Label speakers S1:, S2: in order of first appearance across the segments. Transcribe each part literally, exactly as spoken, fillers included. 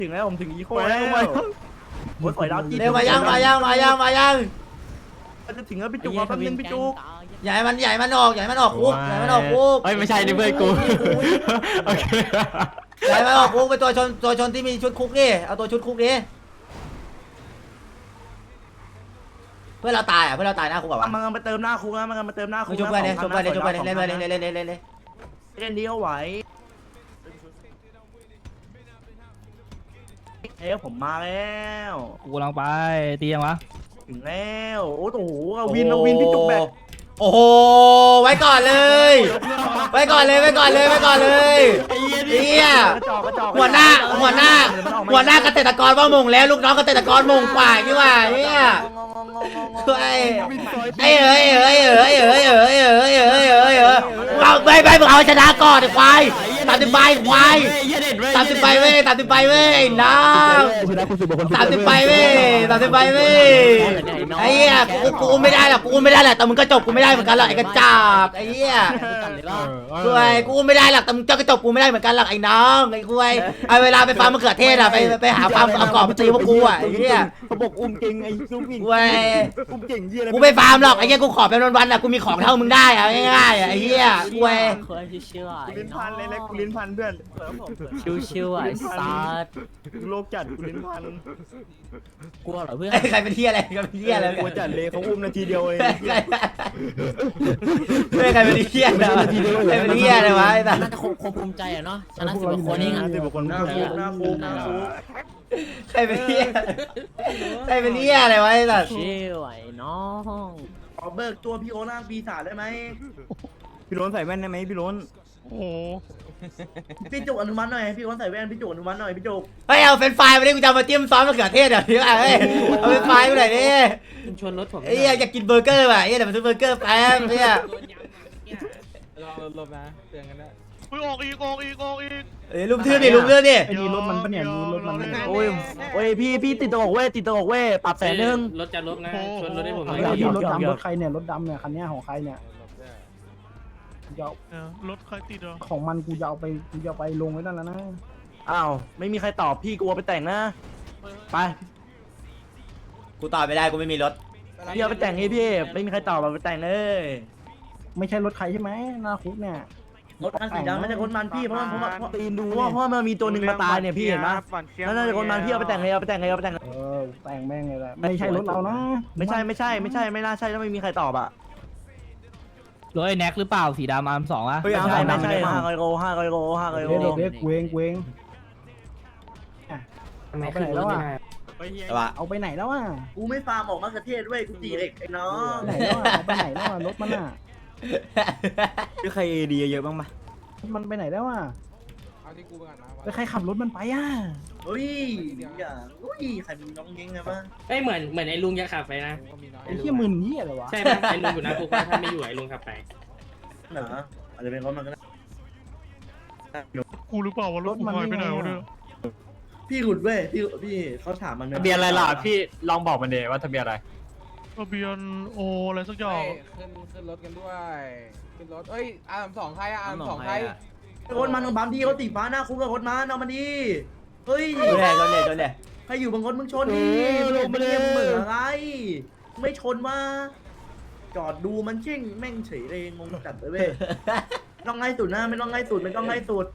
S1: ถึงแล้วผมถึงอีโคแล้วโอ้ยสวยดาวจี
S2: เร็วมายังมายังมายังมายัง
S1: จะถึงแล้วพี่จุกมาแป๊บนึงพี่จุก
S2: ใหญ่มันใหญ่มันออกใหญ่มันออกคุกใหญ่มันออกคุก
S3: เฮ้ยไม่ใช่นี่เพื่อนกูโอเค
S2: ใหญ่มันออกคุกเป็นตัวชนตัวชนที่มีชุดคุกนี่เอาตัวชุดคุกนี้เพื่อนเราตายอ่ะเพื่อนเราตายหน้าคุกแบบวะ
S1: มันกำลังไปเติมหน้าคุกนะมันกำลังไปเติมหน้าคุ
S2: มึ
S1: ก
S2: งชุบเพื่อนเลยชุบเพื่อนเลยชุบเพื่อนเลยเล่นเล่นเล่นเล่นเล่นเล่น
S1: เล่นดีเขาไหวเฮ้ยผมมาแล้ว
S4: กูกำลังไปตียังวะ
S1: ถึงแล้วโอ้โหเอาวินเอาวินพี่จุกแบก
S2: โอ้โหไว้ก่อนเลยไว้ก่อนเลยไว้ก่อนเลยไว้ก่อนเลยเฮีย
S1: กระจอกกระจอก
S2: หัวหน้าหัวหน้าหัวหน้าเกษตรกรว่ามงแล้วลูกน้องเกษตรกรมงกว่านี่ว่าเฮียช่วยไอ้เอ้ยเอ้ยเอ้ยเอ้ยเอ้ยเอ้ยเอ้ยเอ้ยเอ้ยเอาไปไปมึงเอาชนะก่อนไอ้ควายตัดสินไปควายตัดสินไปเว้ยตัดสินไปเว้ยน้องตัดสินไปเว้ยตัดสินไปเว้ยไอ้เหี้ยกูกูไม่ได้หรอกกูไม่ได้แหละแต่มึงก็จบกูไม่ได้เหมือนกันหรอกไอ้กระจอกไอ้เหี้ยด้วยกูไม่ได้หรอกแต่มึงเจ้าก็จบกูไม่ได้เหมือนกันหรอกไอ้น้องไอ้คุยเอาเวลาไปฟาร์มมะเขือเทศอะไปไปหาฟาร์มเอากรอบมาตีพวกกูอะไอ้เหี้ย
S1: เขาบอกอุ้มเก่งไอ้ซุปวิ่ง
S2: เว้ย
S1: อุ้มเก่งเยี่ยอะไร
S2: กูไม่ฟาร์มหรอกไอ้เหี้ยกูขอเป็นวันๆอะกูมีของเท่ามึงได้อะง่ายๆอะไอ้เหี้ยเว้ย
S5: คนที่ชื่อว่า
S1: กูลิ้นพันเลยนะกูลิ้นพันเพื่อน
S5: ชื่อชื่อว่าไอ้ซัด
S1: กูโลกจัดกูลิ้นพัน
S5: กลัวเหรอเพื่อน
S2: ไอ้ใครเป็นเหี้ยอะไรใครเป็นเหี้ยอะไร
S1: กูจัดเลยเขาอุ้มนาทีเดียวเอง
S2: เฮ้ยใครเป็นเหี้ยนะใครเป็นเหี้ยเลยวะไอ้สัส
S5: น่าจะคงคงภูมิใจอะเนาะชนะสิบกว่าคนเองอะ
S1: สิบกว่าคนหน้าคุกหน้าคุกหน้าคุก
S2: ใครเป็นเหี้ยใครเป็นเหี้ยอะไรวะไอ้สัส
S5: ชื่อไอ้น้อง
S1: ขอเบิกตัวพี่โอล่างปีศาจได้ไหมพี่ล้นใส่แว่นได้ไหมพี่ล้น
S4: โอ้โห
S1: พี่จุกอนุมัติหน่อยพี่ล้นใส่แว่นพี่จุกอนุมัติหน่อยพี่จุก
S2: เฮ้ยเอาเฟรนช์ฟรายมาดิกูจะเอามาจิ้มซอสมะเขือเทศเดี๋ยวนี้อ่ะเฮ้ยเอาเฟรนช์ฟรายมาหน่อยดิ
S5: คุณชวนรถผม
S2: ไอ้เหี้ยอยากกินเบอร์เกอร์ว่ะไอ้เหี้ยเดี๋ยวมาซื้อเบอร์เกอร์แป๊บเหี้ย
S4: ลองลบนะเตือนกันได้
S6: อุ้ยออกอีกออกอีกออกอีก
S2: เอ้ยลุมทื่อดิลุมทื่อดิ
S6: ไอ้นี่รถมันปะเนี่ยรถมัน
S1: โอ้ยโอ้ยพี่พี่ติดตลกเว้ยติดตลกเว้ยปรับแสนหนึ่ง
S7: รถจะลบนะชวนรถให้ผมหน่อย
S1: เดี๋ยว
S8: รถ
S1: เดี๋ยว
S8: ดำรถใครเนี่ยรถดำเนี่ยคันเนี้ยของใครเนี่ยจะเอา
S6: เออรถใครติดเหรอ
S8: ของมันกูจะเอาไปกูจะเอาไปลงไว้นั่นแล้วนะ
S1: อ้าวไม่มีใครตอบพี่กลัวไปแต่งนะไป
S2: กูตอบไม่ได้กูไม่มีรถ
S1: พี่เอาไปแต่งให้พี่ไม่มีใครตอบเอาไปแต่งเลย
S8: ไม่ใช่รถใครใช่ไหมหน้าคุกเนี่ย
S1: รถมันสีดำไม่ใช่คนมันพี่เพราะมันเพราะมันเพราะตีนดูเพราะเพราะมันมีตัวหนึ่งมาตายเนี่ยพี่เห็นปะนั่นน่าจะคนมันพี่เอาไปแต่งเลยเอาไปแต่งเลยเอาไปแต่งเลย
S8: เออแต่งแม่งเลยแหละไม่ใช่รถเรานะ
S1: ไม่ใช่ไม่ใช่ไม่ใช่ไม่น่าใช่ถ้าไม่มีใครตอบอ่ะ
S4: รถไอ้แน็กหรือเปล่าสีดำอาร์มสองอะ
S1: ไม่ใช่ไม่ใช่ห้าร้อยโลห้าร้อยโลห้าร้อยโล
S8: เด็กเด็กเวงเวงอ่ะเอาไปไหนแล้วอ่ะ
S2: แต่ว่า
S8: เอาไปไหนแล้วอ่ะ
S1: กูไม่ฟาร์มออกมากระเทศด้วยกูตีเหล็กไอ้น้อง
S8: ไหนแล้วอ่ะเอาไปไหนแล้วอ่ะรถมันอ่ะ
S1: มีใครเอดีเยอะบ้างปะ
S8: มันไปไหนแล้วอ่ะแล้วใครขับรถมันไปอ่ะ
S1: เฮ้ยอย่าเฮ้ยใครมีน้องเย้งไงบ้าง
S7: เอ้ยเหมือนเหมือนไอ้ลุงจะขับไปนะ
S8: ไอ้เหี้ยมึนเหี้ยอะไรวะ
S7: ใช่ไหมไอ้ลุงอยู่นะพวกว่าถ้าไม่อยู่ไอ้ลุงขับไป
S1: เหรออาจจะเป็นเพราะมันก็ได้
S6: กูหรือเปล่าวะรถกูหายไปไหนวะเนี่ย
S1: พี่หลุดเว้ยพี่พี่เขาถามมัน
S3: ทะเบียนอะไรล่ะพี่ลองบอกมันเดว่าทะเบียนอะไร
S6: ทะเบียนโออะไรสักอย่าง
S9: ขึ้นขึ้นรถกันด้วยขึ้นรถเอ้ยอาร์มสองใครอะอาร์มสองใคร
S1: คนมันบัมพี่เขาตีฟ้าหน้าคุ้มกับคนมันเอามาดีเฮ้ย
S2: โดนเลยโดนเลยโดนเลย
S1: ใครอยู่บางคนมึงชนดิลงมาเลยเหมืออะไรไม่ชนว่าจอดดูมันเช่งแม่งเฉยเลยงงจัดเลยเว้ยต้องไล่สุดนะไม่ต้องไล่สุดไม่ต้องไล่สุด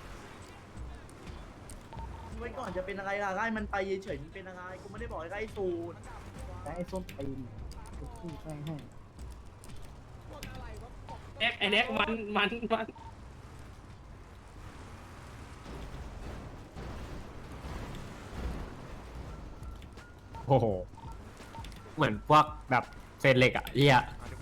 S1: ไว้ก่อนจะเป็นอะไรล่ะไล่มันไปเฉยๆมันเป็นอะไรกูไม่ได้บอกให้ไล่สุด
S8: แต่ไอ้ส้นตีนกูแช่งให้
S7: แน็กไอ้แน็กมันมันมัน
S3: โอ้โหเหมือนพวกแบบเศษเหล็กอ่ะเฮีย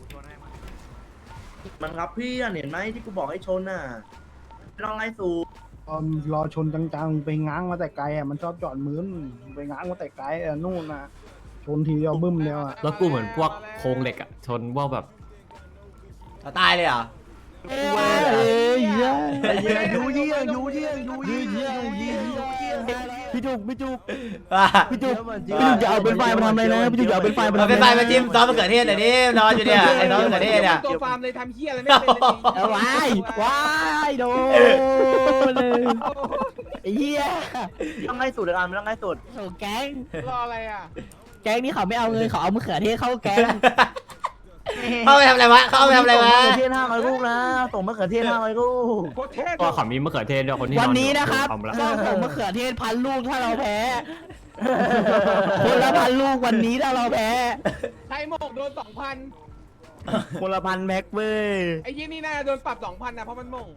S1: มันรับพี่อ่ะเห็นไหมที่กูบอกให้ชนน่ะไม่ต้องไล่สูบ
S8: ตอนรอชนจังๆไปง้างมาแต่ไกลอ่ะมันชอบจอดมืนไปง้างมาแต่ไกลอ่ะนู่นน่ะชนทีเดียวบึ้มเดียวอ่ะ
S3: รถกูเหมือนพวกโครงเหล็กอ่ะชนพวกแบบ
S2: เราตายเลยเหรอ
S8: เฮ้ยเหี้ย
S1: ยูเยี่ยงยูเยี่ยงยูเยี่ยงยูเยี่ยงยูเยี่ยง
S5: พี่จุกพี่จุก
S2: ว่า
S5: พี่จุกพี่จุกอย่าเอาเป็นไฟมาทำอะไรนะพี่จุกอย่าเอาเป็นไฟมา
S2: เอา
S5: ทำ
S2: ไป
S5: อะไร
S2: ไปมาจิ้มซอสมะเขือเทศหน่อยดินอนอยู่เนี่ยไอ้ซอสมะเขือเทศเนี่ย
S9: ตัวฟาร์มเลยทำเฮียอะไรไม่เป็นเลย
S5: เอาว้ายว้ายโดนเลยไอ้เหี้ย
S1: ต้องง่ายสุดเลยอ่ะไม่ต้องง่ายสุด
S5: โอ้แก๊ง
S9: รออะไรอ่ะ
S5: แก๊งนี่เขาไม่เอาเงินเขาเอามะเขือเทศเข้าแก๊ง
S2: เข้าไปทำอะไรวะเข้าไปทำอะไรวะ
S1: ส่งมะเขือเทศห้าร้อยลูกนะส่งมะเขือเทศห้าร้อยลูก
S9: โคตรเท่
S3: ก็ขอมีมะเขือเทศด้วยคนที่
S5: วัน
S3: อ
S5: นี้
S3: อยู่
S5: นะครับ
S3: เอามาละ
S5: ก็ส่งมะเขือเทศพันลูกถ้าเราแพ้คนละพันลูกวันนี้ถ้าเราแพ้
S9: ใครหมกโดนสองพัน
S5: คนละพันแม็กเว้ย
S9: ไอ้ยี่นี่น่าจะโดนปรับสองพันนะเพราะมันหมง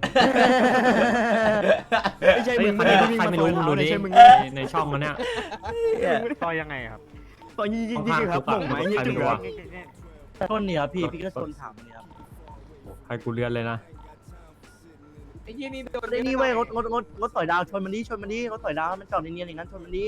S3: ไม่ใช่มึงใครใครไม่รู้มึงดูดิในช่องมันเนี่ย
S6: ต่อยังไงครับ
S3: ตอนยี่ยี่ยี่ครับผมไหมยี่จุก
S1: ชนเนี่ยพี่พี่ก็ชนถามเนี่ยครับ
S3: ใครกูเลือนเลยนะ
S9: ไอ้ยี่นี่โดน
S1: ไอ้นี่เว้ยรถรถรถรถต่อยดาวชนมันดิชนมันดิรถต่อยดาวมันจอดเนียนๆอย่างนั้นชนมันดิ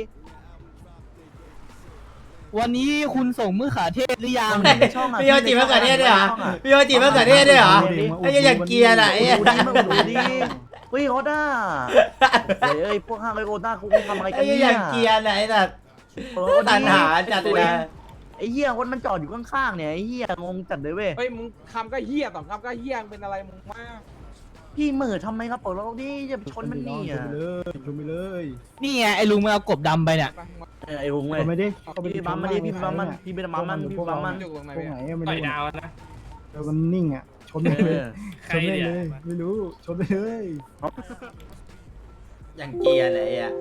S5: วันนี้คุณส่งมะเขือเทศหรือยัง
S2: พี่โยจิมะเขือเทศด้วยเหรอพี่โยจิมะเขือเทศด้วยเหรอไอ้เหี้ยอย่างเกียร์น่ะไอ้เหี้ย
S1: ดูดิมึงดูดิเฮ้ยโคต้าเฮ้ยเอ้ยพวกห้างไอ้โคต้ากูทำอะไรกั
S2: ไอ้
S1: น
S2: เหี้ย
S1: เนี่
S2: อย ย่างเกียร์น่ะไอ้สัตว์
S1: โอ้
S2: ตันหาจัดเลยนะ
S1: ไอ้เหี้ยรถมันจอดอยู่ข้างๆเนี่ยไอ้เหี้ยงงจัดเลยเว้ย
S9: เฮ้ยมึงคำก็เฮียสองคำก็เฮียมึงเป็นอะไรมึงมาก
S1: พี่เหม่อทำไมครับปล่อยรถดิจะไปชนมันนี่
S8: ช
S1: อ่ะ
S8: นไปเลยชนไปเลย
S5: นี่ไงไอ้ลุงมันเอากบดำไปเนี่ย
S1: เออไอ้ลุง
S8: ช
S1: เว้ย
S8: นไปดิ
S1: พี่บัมมันดิพี่บัมมันพี่บัมมันพี่บัมมัน
S9: อยู่ตรงไหน
S8: ตรงไหน
S9: เนี่ย
S8: ไม่
S7: ต่อย
S8: รู้
S7: ดาวนะ
S8: เออมันนิ่งอ่ะชนไปเลย
S7: ใค
S8: ช
S7: ร
S8: นไป
S7: เนี่ย
S8: เลยไม่รู้ชนไปเลย
S2: อย่างเกียร์น่ะไอ้เหี้ย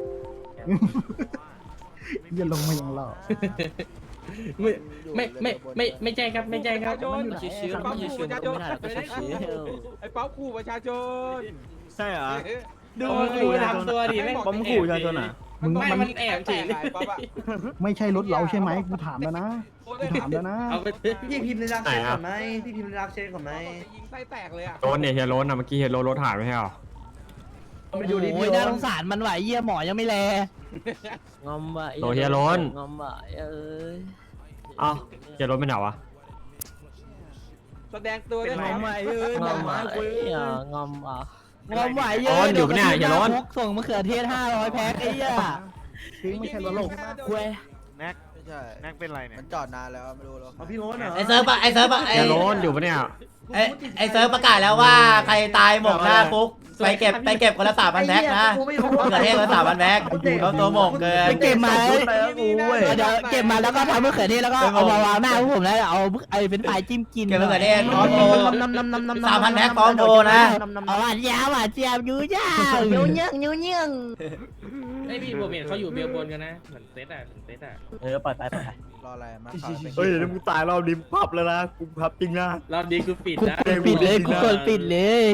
S8: อย่าลงมาอย่างเรา
S7: ไม่ไม่ไม่ไม่ไม่ใช่ครับไม่ใช่ครับ
S9: ประชาชนป๊อปขู่ประชาชนไอ้ป๊อปขู่ประชาชน
S5: ใช่เหรอ
S7: ดูดูทำตัวดิแม่ง
S9: ป๊อปขู่ประชาชน
S8: มึง
S7: ไม่
S8: มัน
S7: มันแอบเฉยเลย
S9: ป๊อปอะ
S8: ไม่ใช่รถเราใช่ไหมกูถามแล้วนะกูถามแล้วนะ
S7: เอาไป
S1: พี่พิมพ์ในรักเชนก่อนไหมพี่พิมพ์ในรักเชนก่อนไหม
S9: ยิงไส้แตกเลยอ่ะ
S3: โดนเนี่ยเฮียโรนอ่ะเมื่อกี้เฮียโรนรถหายไปใช่หรอ
S1: ไปดูดิ
S5: โอ้
S1: พี่
S5: ย
S1: โร
S5: น่าสงสารมันไหวเยี่ยหมอยังไม่แล
S10: งอมว่ะ
S3: โดนเฮียโรน
S10: งอมว่ะเอ้ย
S3: เอ้าเฮียโรนไปไหนวะ
S9: แสดงตัวได้ไหม
S10: งอมว่ะเอ้ยงอมว่ะเอ้ยงอมว่ะ
S5: งอมไหวเยอะส่งมะเขือเทศห้าร้อยแพ็คไอ้เหี้ย
S8: ทิ้งไม่ใช่รถเรา
S5: คุย
S6: แน็กไม่ใช่แน็กเป็นไรเนี่ย
S10: มันจอดนานแล้วไม่รู้แล้ว
S1: เอาพี่โรนเหรอ
S2: ไอ้เซิร์ฟปะไอ้เซิร์ฟปะไอ้
S3: เฮียโรนอยู่ปะเนี่ย
S2: ไอ้ไอ้เซิร์ฟประกาศแล้วว่าใครตายหมกหน้าคุกไปเก็บไปเก็บคนละสามพันแพ็คนะมะเขือเทศคนละสามพันแพ็คเขาตัวหมกเกิน
S5: ไปเก็บมา
S1: ไปแล้วกูเว้ย
S5: เดี๋ยวเก็บมาแล้วก็ทำมะเขือเทศแล้วก็เอามาวางหน้าพวกผมแล้วเอาไอ้เป็นปลายจิ้มกิน
S2: เก็บมะเขือเทศพร้อมโทร สามพันแพ็คพร้อมโทรนะ
S5: เอาหวานยาวหวานเจียบยูย่ายูเยี่ยงยูเยี่ยง
S7: ไอพี่ผมเห็นเขาอยู่เบลบนกันนะเหมือนเซตอ่ะเหมือนเซตอ่ะ
S1: เออปล่อยไปปล่อยไป
S10: รออะไรมา
S5: เฮ้ยมึงตายเราดิมพับแล้วนะกูพับจริงนะ
S7: รอบนี้กูปิด
S5: กู
S7: นะ
S5: ปิดเลยกูกดปิดเลย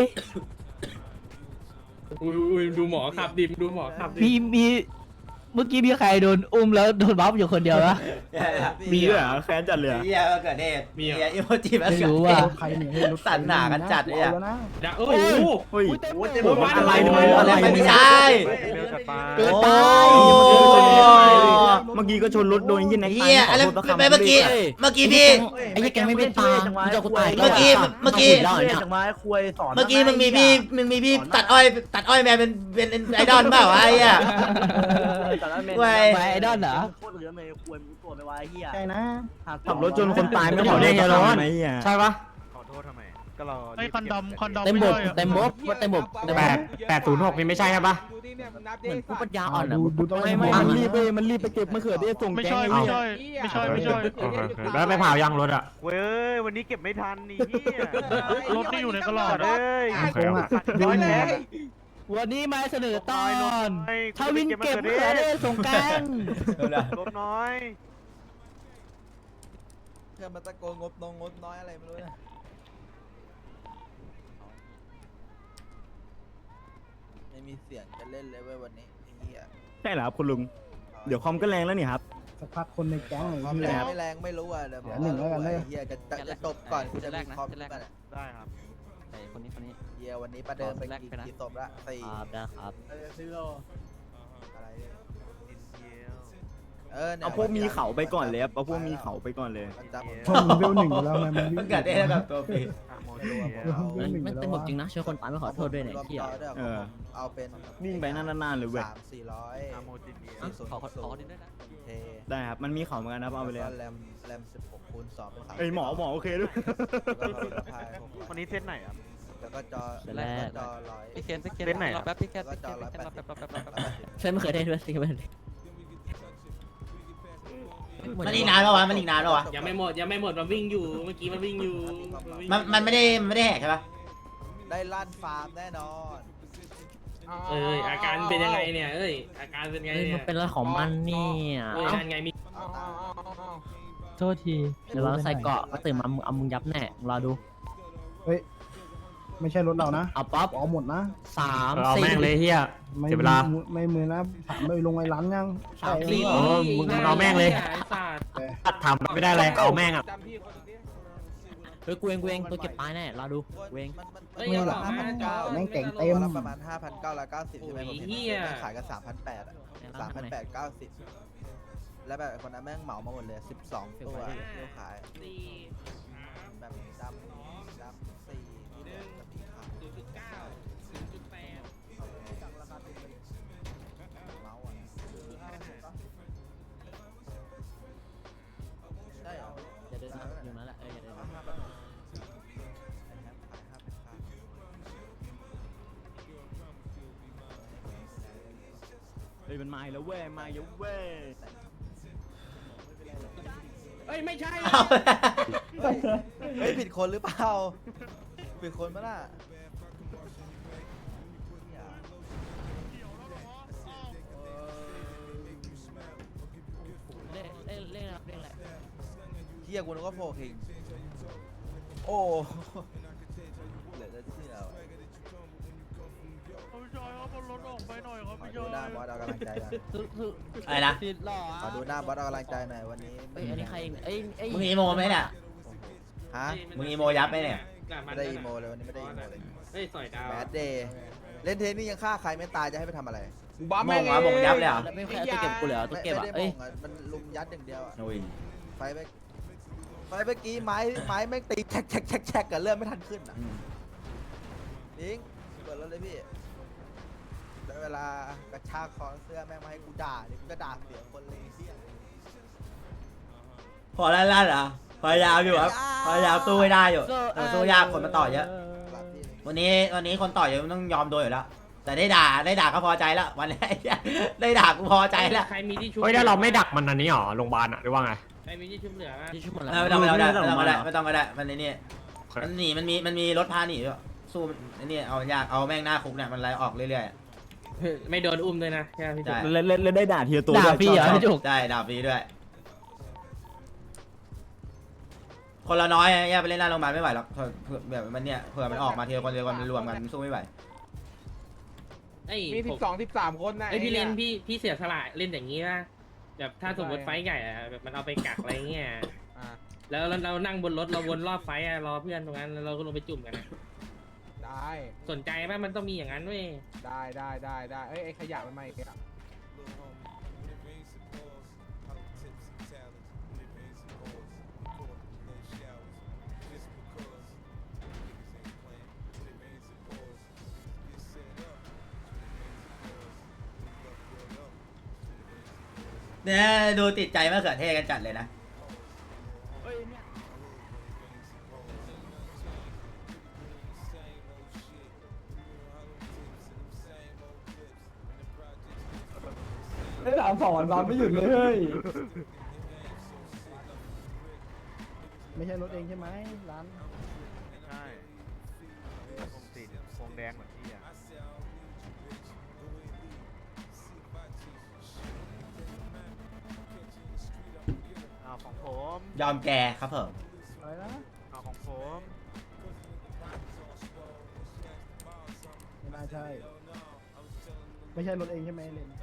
S7: อุ้ยอุ้ยดูหมอขับดิมดูหมอขับดิ
S5: มีมีเมื่อกี้มีใครโดนอุ้มแล้วโดนบัฟอยู่คนเดียวปะ
S10: มีด้วยเหรอแค้นจัดเลย
S2: เฮียมะเขือเทศมีอีโมจิมะ
S5: ไม่
S2: เขือ
S5: รู้
S2: เท
S5: ว่า
S2: ศ
S8: ใครเนี่ยให้รถ
S2: สั่นหนากันจัดเลยอะ
S8: แล้วนะ
S7: ดะโอ้โห
S10: เฮ้ย
S1: โอ้เต็ม
S7: โอ้ย
S10: อะไร
S7: ทำ
S10: ทำไม
S2: อะไรไม่ใช่
S6: เบลจัดไป
S5: เกินไป
S10: เมื่อกี้ก็ชนรถโดนยิงใน
S2: เฮียอะไรไปเมื่อกี้เมื่อกี้พี่
S5: ไอ้ยี่แกไม่เป็นตามึงจะกูตาย
S2: เมื่อกี้เมื่อกี้
S1: เล่จังหวะคุยสอน
S2: เมื่อกี้มึงมีพี่มึงมีพี่ตัดอ้อยตัดอ้อยแมนเป็นเป็นไอดอลเปล่าวะไอ้เหี้ย
S5: ไปไอดอลเหรอ
S1: โคตรเหลือเลยคุยมึงตัวไปวะไอ้เหี้ย
S8: ใช่นะ
S10: ขับรถจนคนตายไม่บอกได้ไงร้อนใช่ปะ
S6: ขอโทษทำไมก็รอ
S7: ไอ้คันดำคันดำ
S5: เต็ม
S7: ไม่
S5: บ
S7: ใช่
S5: ก
S7: อะ
S5: เต็มบกเต็มบก
S3: แปดแปดศูนย์หกนี่ไม่ใช่ใช่ปะ
S9: ดูดิเนี่ยมันนับ
S10: เหมือน
S9: ดิ
S10: ผู้ปัญญาอ่อน
S8: ดูดูต้อง
S10: ไม่ไม่มันรีบไปมันรีบไปเก็บมะเขือเทศส่ง
S7: ไม่
S10: แก๊
S7: ใช่
S10: ง
S7: ไม่ใช่ไม่ใช่ไม่ใช่
S3: แล้วไปเผายังรถอ่ะ
S6: เว้ยวันนี้เก็บไม่ทันนี่เหี้ย
S7: รถที่อยู่ในตลาด
S6: เอ้ย
S8: โกงอ่ะ
S9: ร้อยเลย
S5: วันนี้มาเสนอตอน
S6: ไอ้
S5: ทวินเก็บมะเขือเทศส่งแกง
S6: ลบน้อย
S10: เพื่อนมาตะโกนงบน้องงบน้อยอะไรไม่รู้นะไม่มีเสียงจะเล่นเลยเว้ยวันนี้ไอ้เหี้ย
S11: ใช่เหรอครับคุณลุง เดี๋ยวคอมก็แรงแล้วนี่ครับ
S8: สักพักคนในแก๊ง
S10: ความ
S8: ไอ้
S10: แร
S8: เหี้ย
S10: งไม่แรงไม่รู้อ่ะเดี๋ยว
S8: เดี๋ยวหนึ่งแล้วกันเลย
S10: ไอ้เหี้ยจะจะจะจบก่อนกูจะมีคอมกันอะ
S6: ได้ครับ
S10: ไอ้คนนี้คนนี้เหี้ยวันนี้ประเดิมไปกี่กี่ศพละสี่
S5: ครับนะครับ
S10: อะไรเนี่ยเออนี่ย
S11: เอาพวกมีเขาไปก่อนเลยครับ เอาพวกมีเขาไปก่อนเลย
S10: มันจำ
S8: พวกมึงเวลหนึ่งอยู่แล้วไงมันวิ่
S2: มะ
S8: ง
S2: เขือเทศกับตัวปี
S8: เวลหนึ่งอยู่
S5: มัน
S8: แล้ว
S5: เต็มบก
S8: อะ
S5: จริงนะช่วยคนตายไม่ขอโทษด้วยเนี่ย
S10: รวม
S5: เที่ย
S10: ต่อด้วย
S11: เออ
S10: เอาเป็น
S11: วิ่งไปนานๆเลยเว้ย
S10: สามสี่ร้อย
S6: อาโมจิเบีย
S10: สี่ขอขอนิดด้วยนะเท
S11: ได้ครับ มันมีเขาเหมือนกันนะครับเอาไปเลย
S10: แล้ว
S11: ครับ
S10: ก็แรมแรมสิบหกคูณสองเป็นสาม
S11: เอ้ยหมอหมอโอเคด้วย
S10: แล้วก็พายหกร้อย
S6: วันนี้เซตไหนครับ
S10: แล้วก็จอ
S5: เซต
S10: แล้
S5: แร
S10: ว
S5: ก
S10: ก็จอร้อย
S6: พี่เคนพี่เคนเซตไหนครับ
S10: แล้วก็จอร้อยแปดสิบ
S5: เช่นไม่เคยได้ด้วยสิไม่เคย
S2: มันอีกนานปะวะมันอีกนานปะวะ
S7: ยังไม่หมดยังไม่หมดมันวิ่งอยู่เมื่อกี้มันวิ่งอยู่
S2: มันมันไม่ได้มันไม่ได้แหกใช่ปะ
S10: ได้ลั่นฟาร์มแน่นอน
S7: เอ้ยอาการเป็นยังไงเนี่ยเอ้ยอาการเป็นไง
S5: เฮ้ย
S7: เนี่
S5: มัน
S7: ย
S5: เป็นอะไรของมันเนี่ย
S7: เอ้ยนั่นไงมี
S9: เอาเอาเอาเอาเอา
S4: โทษที
S5: เดี๋ยวเราใส่เกาะก็ตื่นมาเอามึงยับแน่รอดู
S8: เฮ้ยไม่ใช่รถเรานะ
S5: เอาป๊อป
S8: เอาหมดนะ
S5: สาม
S3: เอา
S5: สี่
S3: แม่งเลยเฮีย
S8: ไม่
S3: เสียเวลา
S8: มือไม่มือนะถามไปลงไอ้ร้านยัง
S5: สาม
S8: ใช่
S5: สี่
S8: หรือ
S3: เอ
S8: เปล่า
S3: อมึงเอาแม่งเลย
S7: ไอ้สัตว์
S8: แต่
S3: ทำไม่ได้อะไรเอาแม่งอ่ะ
S9: จำพี่คนนี้
S5: เฮ้ยกูเองกูเองตัวเก็บปลายแน่รอดูกูเอง
S10: มันมัน
S7: เอ้ย
S10: มัน
S7: อย่า
S10: ห้าพันเก้า
S8: แม่งเก่งเต็
S10: เต็
S8: ม
S10: มประมาณห้าพันเก้าร้อยเก้าสิบใช่ไหมผมเห็น
S7: โอ้ยเหี้ย
S10: แม่งขายกันสามพันแปดอะสามพันแปดเก้าสิบแล้วแบบคนนั้นแม่งเหมามาหมดเลยสิบสองตัวที่เขาขาย
S7: สี่
S10: แบบดำดำสี่ที่เหลือจะสีขาว
S7: ศูนย์จุดเก้าศูนย์จุดแปด
S10: เมาส์อะใช่เหรอ
S5: อย่าเดินนะอยู่นั่นแหละเอออย่าเดินนะ
S11: เฮ้ยมันมาอีกแล้วเว้ยมาอีกแล้วเว้ย
S7: เอ้ยไม่ใช่
S2: เอา
S10: เฮ้ยเฮ้ยผิดคนหรือเปล่าผิดคนปะน่ะ
S5: เล่นเล่นเล่นอะไรเล่นอะไร
S10: เฮียกูนึกว่าโฟคิงโอ้เหลือจะเชื่อว่ะขอดูหน้าบอสเอากำลังใจหน่อย
S2: อะไรนะ
S5: ติดหรอ
S10: ขอดูหน้าบอสเอากำลังใจหน่อยวันนี้
S5: เอ้ยอันนี้ใครเนี่ยเอ้ยเอ้ย
S2: มึงอีโมไหมเนี่ย
S10: ฮะ
S2: มึงอีโมยับไหมเนี่ย
S10: ไม่ได้อีโมเลยวันนี้ไม่ได้อีโมเลย
S7: เฮ้ยสอยดาว
S10: แบดเดย์เล่นเทนนี่ยังฆ่าใครไม่ตายจะให้ไปทำอะไร
S9: กูบ้า
S2: โม
S9: แม่
S2: ง
S9: ง
S2: เหรอโมงยับเลยเหรอ
S5: แล้วไม่ใครเอาตัวเก็บกูเลยเหรอตัว
S10: ไม่
S5: เก็บ
S10: ไม่
S5: อ่ะ
S10: ได้
S5: เอ้ย
S10: โมงอ่ะมันลุมยัดอย่างเดียวอ่ะ
S2: โอ้ย
S10: ไฟไปไฟเมื่อกี้ไม้ไม้แม่งตีแช็กแช็กแช็กแช็กกับเลื่อนไม่ทันขึ้นอ่ะ
S2: อืม
S10: ยิงเปิดแล้วเลยพี่แล้วเวลากระชากคอเสื้อแม่งมาให้กูด่าเดี๋ยวกูจะด่าเสียคนเลยเที่ย
S2: พอแล้วลั่นเหรอพยายามอยู่ครับพยายามสู้ให้ได้อยู่แต่สู้ยากคนมาต่อเยอะ
S10: กลับที่
S2: วันนี้วันนี้คนต่อเยอะมันต้องยอมโดนอยู่แล้ว แต่ได้ด่าได้ด่าก็พอใจแล้ววันนี้ ได้ด่ากูพอใจแล้ว
S7: ใครมีที่ชุบ
S3: เฮ้ยถ้าเราไม่ดักมันอันนี้หรอโรงพยาบาลอ่ะหรือว่าไง
S7: ใครมีที่ชุบเหลือนะ
S5: ที่ชุบหมดแล้ว
S2: ไม่ต้องไม่ต้องไม่ต้องไม่ต้องก็ได้ไม่ต้องก็ได้มันในนี่มันหนีมันมีมันมีรถพาหนีด้วยสู้ไอ้นี่เอายากเอาแม่งหน้าคุกเนี่ยมันไล่ออกเรื่อย
S7: ไม่โดนอุ้มด้วยนะใช่ไหมพี่
S2: ๆ
S7: จุ๊
S2: ใช่
S7: บ
S11: เล่นเล่นเล่นได้ด่าทีละตัว
S5: ด่า
S11: ด้วย
S5: พี่เหรอ
S11: ชบ
S5: พี่จุก
S2: ใช่ด่าฟรีด้วย คนละน้อยแยกไปเล่นหน้าโรงพยาบาลไม่ไหวหรอกเผื่อแบบมันเนี่ยเผื่อมันออกมาทีละคนทีละคนมันรวมกันมันสู้ไม่ไหว
S7: เอ้ย
S9: มีสิ
S7: ผม
S9: บสองสิบสามคนนะ
S7: เอ้ยพี่เล่น
S9: ไอ้
S7: พี่พี่เสียสละเล่นอย่างนี้นะแบบถ้าสมมติไฟท์ใหญ่อะแบบมันเอาไปกักอะไรเงี้ย
S9: อ่ะ
S7: แล้วเราเรานั่งบนรถเราวนรอบไฟท์อะรอเพื่อนตรงนั้นแล้วเราก็ลงไปจุ่มกันอะ
S9: ได้
S7: สนใจป่ะมันต้องมีอย่างนั้นเว้ย
S9: ได้ได้ได้ได้เอ้ยไอ้ขยะมันมาอีกอ่ะ
S2: เนี่ยดูติดใจมะเขือเทศกันจัดเลยนะ
S8: ได้ถามสองวันวันไม่หยุดเลยเฮ้ยไม่ใช่รถเองใช่ไหมร้าน
S6: ใช่วงสีวงแดงเหมือนพี่อ่ะเอาของผม
S2: ยอมแกครับผม
S8: อะไรนะ
S6: เอาของผม
S8: ไม่น่าใช่ไม่ใช่รถเองใช่ไหมเลน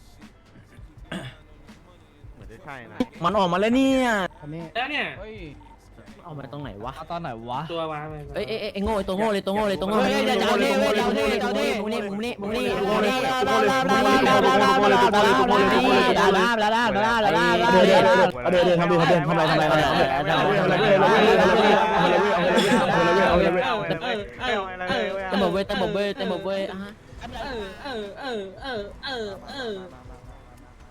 S6: เหมือนจะใช่นะ
S11: มันออกมาแล้วเนี่ย
S8: คันนี้
S7: แล้วเนี่ย
S9: เฮ้ย
S5: เอามาตรงไหนวะ
S4: เอาตอนไหนวะ
S7: ตัววางไป
S5: เอ้ยเอ้ยเอ้ยโง่ไอ้ตัวโง่เลยตัวโง่เลยตัวโง่เลยมึงนี่มึงนี่มึงนี่มึงนี่มึงนี่มึงนี่มึงนี่มึงนี่ลาลาลาลาลาลาลาลา
S11: เดี๋ยวเดี๋ยวเดี๋ยวเดี๋ยวเดี๋ยวทำดิทำดิทำอะไรทำอะไรทำอะไรทำอะไรทำอะไรทำอะไร
S5: เต็มหมดเว้ยเต็มหมดเว้ยเต็มหมดเว้ยอ่ะ
S7: เออเออเออเออเออเออ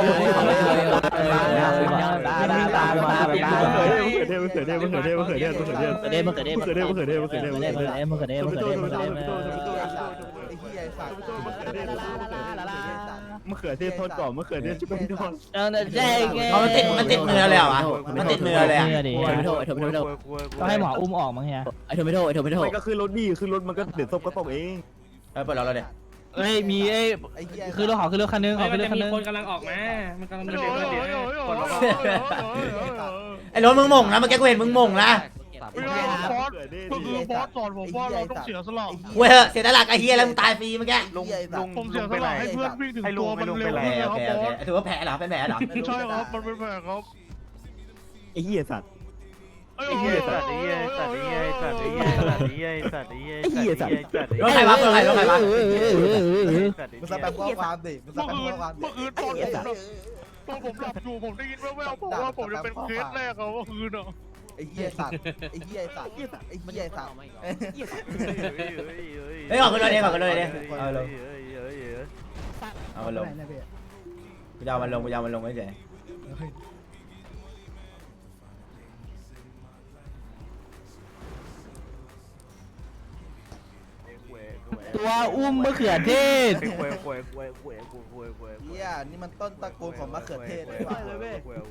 S11: มะเขือเทศทอดกรอบมะเขือเทศชุบแป้งทอด
S5: แจ้งไง
S2: เอามันติดมันติดมือเลยเหรอวะมันติดมือเลยอ่ะ
S4: เนี่ยดิ
S5: ไอ้โทไอ้โทไอ้โท
S4: ก็ให้หมออุ้มออกมั้งเฮีย
S5: ไอ้โทไม่โทไอ้โทไม่โท
S11: ไม่ก็คือรถดีคือรถมันก็เดือดซบก็ตกเอง
S2: เออเปิดเราเราเดี๋ยว
S4: เอ้ยมีไอ้
S10: ไอ้เหี้ย
S4: คือรถขอคือรถคันนึงข
S7: เฮ้
S4: อย คือ
S7: มัน
S4: รถ
S7: จะ
S4: คัน
S7: มี
S4: นึง
S7: คนกำลังออกมา มันกำลังเดินเดินเดินคนละ
S2: ไอ้รถมึงหม่งนะเมื่อกี้กูเห็นมึงหม่งนะ
S11: บอสก็คือบอสสอนผมว่าเราต้องเสียสละ
S2: เว้ยเหอะเสียตลาดไอ้เฮียแล้วมึงตายฟรีเมื่อกี้
S6: ลุงลุง
S11: ผมเสียส
S6: ไปไหน
S11: ละให้เพื่อนวิ่งถึง
S6: ให้ลุ
S11: ตั
S6: ง
S11: ว
S6: ไป
S11: มัน
S6: ลุง
S11: เร็
S6: ไป
S11: ว
S6: ไหน
S11: ขึ้น
S2: โอ
S11: ครับ
S2: เค
S11: บ
S2: โอ
S11: อ
S2: เค
S11: ส
S2: ถือว่าแผลเหรอเป็นแผลเหรอ
S11: ใช่ครับมันเป็นแผลครับ
S3: ไอ้เหี้ยสัตว์
S11: ไอ้
S6: ไอ้
S11: เหี้
S6: เหี้
S11: ย
S6: ยสัตว์ไอ้เหี้ยสัตว์ไอ้เหี้ยสัตว์ไอ้เหี้ยสัตว์ไอ้เหี้ยสัตว์ไอ้เหี้ยสัตว์ไอ้เหี้ยสัตว์ไอ้เหี้ยสัตว์
S2: รถใครวะรถใครรถใครวะ
S10: มึงสแปมข้อความดิมึงส
S11: เมื่อ
S10: แปม
S11: คื
S10: ข้อน ความดิ
S11: เมื่อคืนตอนผมหลับตอนผมหลับอยู่ผมได้ยินแว่วๆบอกว่าผมจะเป็นเคสแรกเขาเมื่อคืนอ่ะ
S10: ไอ้เหี้ยสัตว์ไอ้เหี้ยสัตว์ไอ้เหี้ยสัตว์ไอ้เหี้ยสัตว์
S2: เฮ้ยออกกันเลยเนี่ยออกกันเลยเนี่ยเอาลงเอามันลงกูจะเอามันลงกูจะเอามันลงเฉย
S4: ตัวอุ้มมะเขือเทศ
S10: เหี้ยนี่มันต้นตระกูลของมะเขือเทศด้วยว่ะ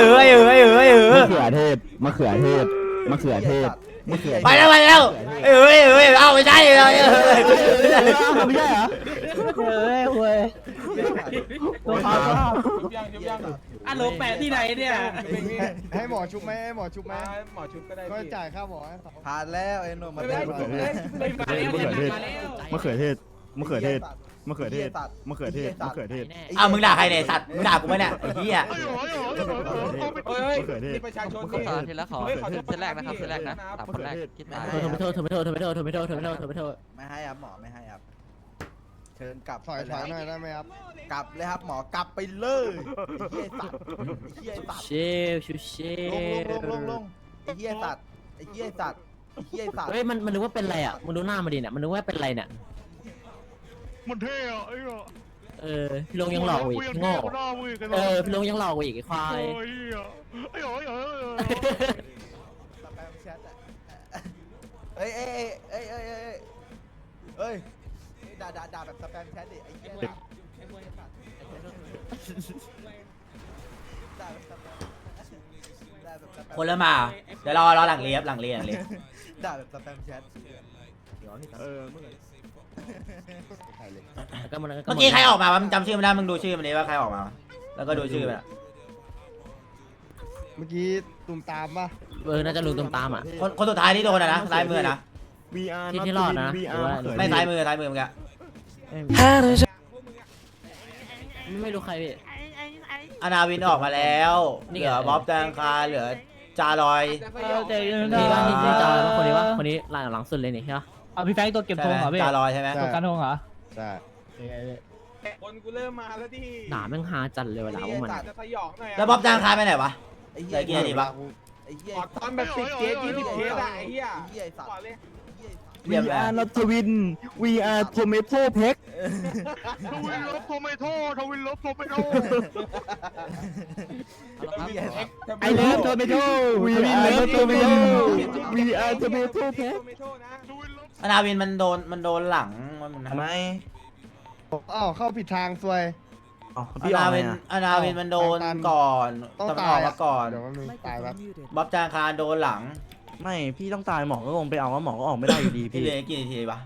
S2: ออไอเออไอเออไอเออ
S11: มะเขือเทศมะเขือเทศมะเขือเทศมะเขือ
S2: ไปแล้วไปแล้วเออเออเอาไม่ใช่เลย
S5: ไม่ใช่เหรอเฮ้ยเว้ยตัวเขาก็
S9: ชุบยังชุบยัง
S7: อ่ะโหลแปะที่ไหนเนี่ย
S11: ให้หมอชุบไหมให้หมอชุบไหม
S9: หมอชุบก็ได้
S11: ก็
S9: พี่
S11: จ่ายค่าหมอให้สอง
S10: ผ่านแล้วไอ้หนุ่มมา
S9: ไม่
S10: เล่
S9: ได้
S10: น
S9: ไม่ได้ไม่ได้
S7: มาแล้วมาแล้ว
S11: มะเขือเทศมะเขือเทศมะเขือเทศมะเขือเทศมะเขือเทศ
S2: เอามึงด่าใครเนี่ยสัตว์มึงด่ากูไหมเนี่ยไอ้เหี้ย
S9: เฮ้ยมีประชาชน
S5: ขอโทษทีละขอเซตแรกนะครับเซตแรกนะสามคนแรกคิดมาเธอไม่โทษเธอไม่โทษเธอไม่โทษเธอไม่โทษเธอไม่โทษเธอไม่โทษ
S10: ไม่ให้ครับหมอไม่ให้ครับเชิญกลับ
S11: ถอยถอยหน่อยได้ไหมครับ
S10: กลับเลยครับหมอกลับไปเลยไอ้เหี้ยสัตว์ไอ้เหี้ยสัตว์
S5: เชฟชูเช
S10: ลงลงล
S5: ฟ
S10: งลงลงไอ้เหี้ยสัตว์ไอ้เหี้ยสัตว์ไอ้เหี้ยสัตว์
S5: เฮ้ยมันมันนึกว่าเป็นอะไรอ่ะมึงดูหน้ามาดิเนี่ยมันนึกว่าเป็นอะไรเนี่ย
S11: มันเท่อะไอ้เหี้ย
S5: เออพี่ลงยังหลอกอีกโง่เออพี่ลงยังหลอกอีกไอ้ควาย
S11: ไอ้เหี้ยไอ้เหี้ย
S10: สแปมแชทอะเอ้ยเอ้ยเอ้ยเอ้ยเอ้ยเอ้ยด่าด่าด่าแบบสแปมแชทดิไอ้เหี้ยด่าด่าแบบสแปมด่าแบบสแปม
S2: คนละมาเดี๋ยวรอรอหลังเลียบหลังเลียบหลังเลียบ
S10: ด่าแบบสแปมแชท
S11: เออเมื่อ
S5: ก็มัน
S2: เมื่อกี้ใครออกมาวะมึงจำชื่อมันได้มึงดูชื่อมันดิว่าใครออกมาแล้วก็ดูชื่อมัน
S11: เมื่อกี้ตุ่มตามป่ะ
S5: เออน่าจะลุงตามตามอ่ะ
S2: คนคนสุดท้ายที่โดนอะนะซ้ายมือนะ
S11: วีอาร์
S5: ที่ที่รอดนะ
S11: วี
S5: ห
S11: อา
S5: รือว่า
S11: ร์
S2: ไม่ซ้ายมือซ้ายมือมึงอะ
S5: ไม่รู้ใครพี่
S2: อนาวินออกมาแล้วเหลือบ๊อบแตงคาเหลือจารอย
S5: นี่ว่านี่นี่จอยว่าคนนี้ว่าคนนี้หลังหลังสุดเลยนี่ใช่ปะ
S4: เอาพี่แฟงตัวเก็บธงเหรอพี่
S2: จารอยใช่ไหม
S4: ตัวการธงเหรอ
S11: ใช่
S9: คนกูเริ่มมาแล้วดิ
S5: ด่าแม่งฮาจัดเลยเวลาพวกมัน
S9: จะสยองหน่อย
S2: แล้วบ๊อบแตงคาไปไหนวะ
S10: ไอ้
S2: เหลือกี่นาทีปะ
S10: ไอ้เหี้ย
S9: ขอตอนแบบสิบเคสยี่สิบเคสอะไอ้เหี้ย
S10: ไอ้เหี้ยสัต
S9: ก่อน
S10: ว์
S9: เลย
S2: เรียบร้อย
S11: นัทวิน วีอาร์โทเมโต้เพ็ก
S9: ทวินลบโทเมโต้ทวินลบโทเมโต้
S11: ไอเลิฟโทเมโต้วีอาร์โทเมโต้วีอาร์โทเมโต้เพ็ก
S9: โทเมโต้นะ
S2: อนาวินมันโดนมันโดนหลังมันนะ
S11: อ้าวเข้าผิดทางซวย
S2: อนาวินอนาวินมันโดนก่อน
S11: ต้อง
S2: ตำร
S11: ตา
S2: วย จมาก่อน
S11: เดี๋ยวมันตายแบบ
S2: บ๊อบแตงคาโดนหลัง
S1: ไม่พี่ต้องตายหมอก็ลงไปเอาว่าหมอก็ออกไม่ได้อยู่ดี
S2: พี่
S1: พี่
S2: เหลือกี่นาทีปะ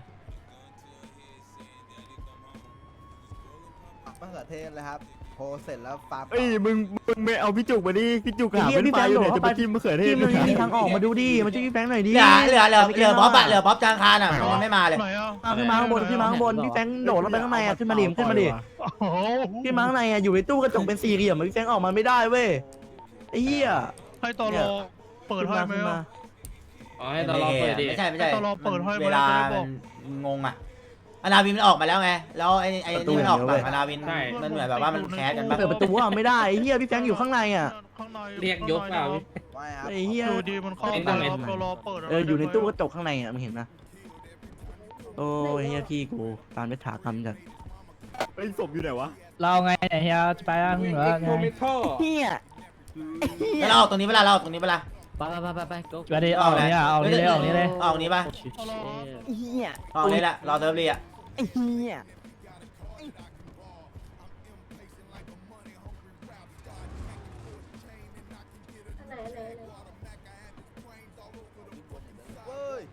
S10: มะเขือเทศเลยครับโพสเสร็จแล้วฟาร์ม
S11: เอ้ยมึงมึงไม่เอาพี่จุกมาดิพี่จุกหาเป็นไฟอยู่เนี่ยจะไปจิ้มมะเขือเทศ
S1: พี่มันมีทางออกมาดูดิมาช่วยพี่แฟงหน่อยดิ
S2: เหลือเหลือเหลือเหลือบ๊อบอะเหลือบ๊อบแตงคาน่ะมันยังไม่มาเลย
S1: ขึ้นมาข้างบนขึ้นมาข้างบนพี่แฟงโดดลงไปข้างในอ่ะขึ้นมาดิขึ้นมาดิขึ้นมาข้างในอ่ะอยู่ในตู้กระจกเป็นสี่เหลี่ยมพี่แฟงออกมาไม่ได้เว้ยไอ้เหี้ย
S11: ให้ตอรอเปิดให้ไหม
S1: ขึ้นมา
S7: อ๋อให้ตลอดเปิดดิ
S2: ไม่ใช่ไม่ใช่
S11: ให้ตลอดเปิดให้
S2: เวลามันงงอะอนาวินมันออกมาแล้วไงแล้วไอ้ไอ้นี่มันออกฝั่งอนาวินมันเหมือนแบบว่ามันแคสกันปะ
S1: เปิดประตูอ่ะไม่ได้ไอ้เหี้ยพี่แฟงอยู่ข้างในอ่ะ
S7: เรียกยกเปล่าพี่
S10: ไม่ครับ
S1: ไอ้เหี้ย
S11: ดูดีมันเข้า
S7: เป็นต้องเป็น
S11: ตลอเปิด
S1: เอออยู่ในตู้กระจกข้างในอ่ะมึงเห็นนะโอ้ยเหี้ยพี่กูตามไปถากรรมจัด
S11: ไอ้ศพอยู่ไหนวะ
S4: เราไงเนี่ยเฮียจะไปยังเหรอ
S9: โท
S4: ไง
S9: เมโต้
S1: เหี้ย
S2: แล้วเราออกตรงนี้เวลาเราออกตรงนี้เวลา
S5: ไปไปไปไปไป go
S4: ไปดิออกนี่อ่ะออกนี่เลยออกนี่เลย
S2: ออกนี้ปะ
S1: เหี้ย
S2: ออกนี้แหละรอเซิร์ฟรีอะ
S1: ไอ้เหี้ย
S10: เว้ย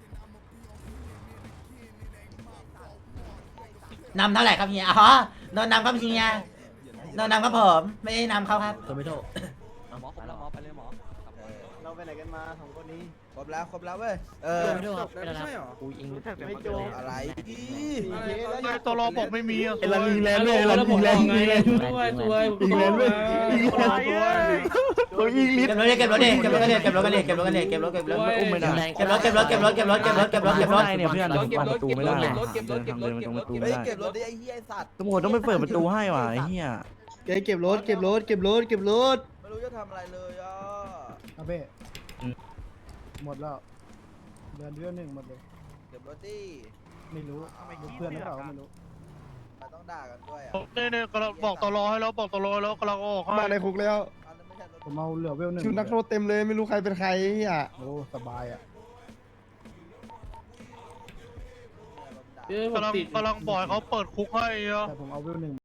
S2: นำเท่าไหร่ครับเฮียอ๋อโดนนำครับเฮียโดนนำครับผมไม่ได้นำเขาครับ
S5: โทไม่โทเอาหมอผมแล้วหมอไปเลยหมอ
S10: เออ
S8: เราไปไหนกันมาสองคนนี้
S10: ครบแล้วครบแล้วเว้ยเออ
S5: ไม่ด้วยครับเป็นอะไรกูยิง
S10: ไม่จบอะไรพี่
S11: ตัวรอบอกไม่มีอ่ะ
S7: เอลันยิงแลนด์ด้วยเอลันยิงแลนด์ยิงแลนด์ด้วยด้วยยิงแลนด์ด้วยยิงแลนด์ด้วยตัวยิงลิฟ
S2: เก็บรถดิเก็บรถดิเก็บรถกันดิเก็บรถกันดิเก็บรถกันดิเก็บรถเก็บรถ
S7: อุ้มไม่ได้
S2: เก็บรถเก็บรถเก็บรถเก็บรถเก็บรถเก็บรถเก็บรถเก็บรถ
S9: เนี่ยเพื่อน
S10: เก็บรถ
S9: ประตูไม่ได้
S10: เก็บรถเก็บรถเก็บรถเก็บรถเก็บรถเก็บรถเก็บรถดิไอ้เหี้ยไอ้สัตว์
S9: ตำรวจต้องไปเปิดประตูให้ว่ะไอ้เหี้ย
S8: เก็บรถเก็บรถเก็บรถเก็บรถ
S10: ไม่รู้จะทำอะไรเลยอ่ะ
S8: อาเบ้หมดแล้วเดือนเดือนหนึ่งหมดเลย
S10: เก็บรถดิ
S8: ไม่รู้เพื่อนหรือเปล่าก็ไม่รู้
S10: มันต้องด่ากันด้วยอ่ะ
S11: เนี่ยเนี่ยกำลังบอกตัวรอให้แล้วบอกตัวรอแล้วกำลังออกมาในคุกแล้ว
S10: อันนั้นไม่ใช่รถ
S8: ผมเอาเหลือเวลหนึ่ง
S11: ชุดนักโทษเต็มเลยไม่รู้ใครเป็นใครอ่ะ
S8: โอ้สบายอ่ะ
S7: เออผม
S11: กำลัง
S7: ติด
S11: กำลังบอกให้เขาเปิดคุกให้อ่ะ
S8: แต่ผมเอาเวลหนึ่ง